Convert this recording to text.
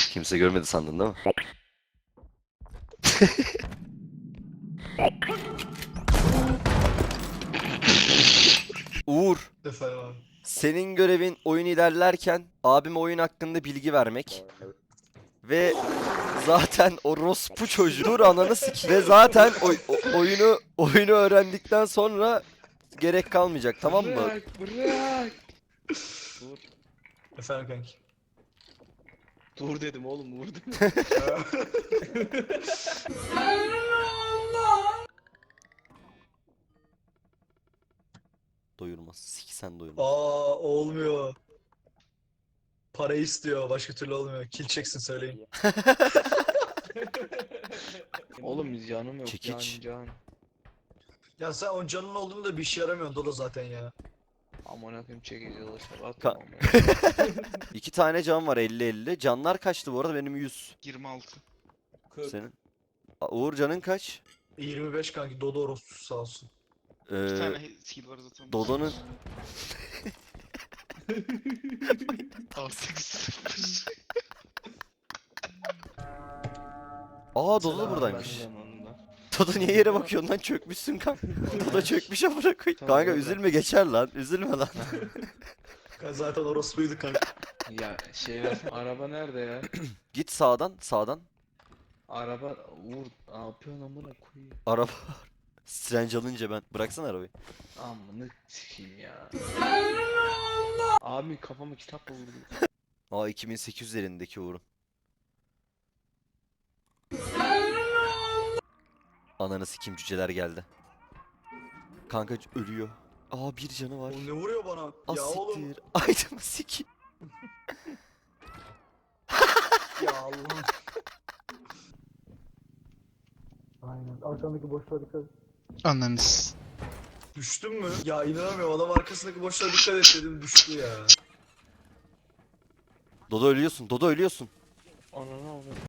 Kimse görmedi sandın değil mi? Uğur, Efendim abi. senin görevin oyun ilerlerken abime oyun hakkında bilgi vermek. Ve zaten orospu çocuğu. Dur ananı sikeyim. Ve zaten oyunu öğrendikten sonra gerek kalmayacak, tamam mı? Bırak. Dur. Efendim kanki. Dur dedim oğlum vur dedim. Doyurmaz. Siksen doyurmaz. Olmuyor. Para istiyor. Başka türlü olmuyor. Kill çeksin söyleyin. Oğlum canım yok. Çekiç. Can. Ya sen o canın olduğunu da bir işe yaramıyorsun Dodo zaten ya. Aman akım çekici dolaşlar Ka- atma ama. 2 tane can var 50-50. Canlar kaçtı bu arada? Benim 100. 26. Senin. Uğur canın kaç? 25 kanki Dodo orospusu sağ olsun. Bir Ee, tane skill var zaten. Dodo'nun 6-8-0. Dodo da Selam, buradaymış. Ben zamanında. Dodo niye yere bakıyorsun lan, çökmüşsün kanka. Dodo çökmüş amına koyayım. Tamam, Kanka orada. üzülme, geçer lan. Üzülme lan. Zaten orospuydu kanka. Ya şey versene. Araba nerede ya? Git sağdan. Araba vur. Ne yapıyorsun amına koyayım? Araba var. Strange alınca ben. Bıraksana arabayı. Amına sikeyim ya. Abi kafama kitap vurdu. 2800 elindeki Uğur'un. Ananı sikim, cüceler geldi. Kanka ölüyor. Bir canı var. O ne vuruyor bana? Az Ya oğlum. siktir. Aydın'ı sikim. Ya Allah'ım. Aynen. Arkandaki boşluğa dikkat et. Anladınız. Düştün mü? Ya inanamıyorum. Adam arkasındaki boşluğa dikkat et dedim. Düştü ya. Dodo ölüyorsun. Ananı avradım.